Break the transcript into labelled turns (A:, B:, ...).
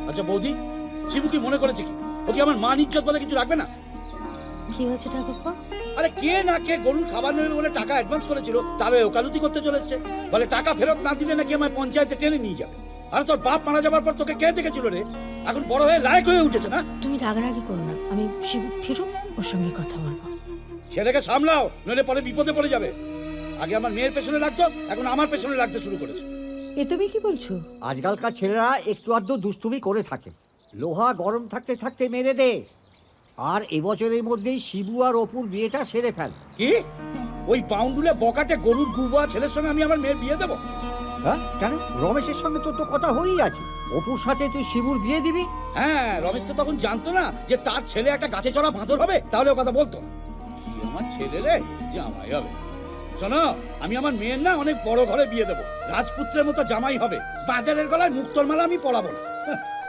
A: আচ্ছা বৌদি, শিবু কি মনে করেছে কি ও কি আমার মান ইজ্জত বলে কিছু রাখবে না?
B: কি হয়েছে ঠাকুরপো?
A: আরে কে না কে গরুর খাবার নেবে বলে টাকা অ্যাডভান্স করেছিল, তাহলে ওকালতি করতে চলে এসছে। বলে টাকা ফেরত না দিলে নাকি আমায় পঞ্চায়েতে টেনে নিয়ে যাবে। আর তোর বাপ মারা যাবার পর তোকে কে দেখেছিল রে? এখন বড় হয়ে লায়ক হয়ে উঠেছে না?
B: তুমি রাগারাগি করো না, আমি শিবু ফিরুক ওর সঙ্গে কথা বলবো।
A: ছেলেকে সামলাও, নইলে পরে বিপদে পড়ে যাবে। আগে আমার মেয়ের পেছনে লাগতো, এখন আমার পেছনে লাগতে শুরু করেছে।
C: এ তুমি কি বলছো?
D: আজকালকার ছেলেরা একটু আধটু দুষ্টুমি করে থাকে, লোহা গরম থাকতে থাকতে মেরে দে। আর এবছরের মধ্যেই শিবু আর অপুর বিয়েটা সেরে ফেল।
A: কি ওই বাউন্ডুলে বকাটে গরুর গুবা ছেলের সঙ্গে আমি আমার মেয়ের বিয়ে দেবো?
D: হ্যাঁ কেন? রমেশের সঙ্গে তোর তো কথা হয়েই আছে, অপুর সাথে তুই শিবুর বিয়ে দিবি।
A: হ্যাঁ, রমেশ তো তখন জানতো না যে তার ছেলে একটা গাছে চড়া বাঁদর হবে, তাহলে ও কথা বলতো না। কি আমার ছেলে রে, জামাই হবে। শোনো, আমি আমার মেয়ের না অনেক বড় ঘরে বিয়ে দেবো, রাজপুত্রের মতো জামাই হবে। বাজারের গলায় মুক্তোর মালা আমি পরাবো না।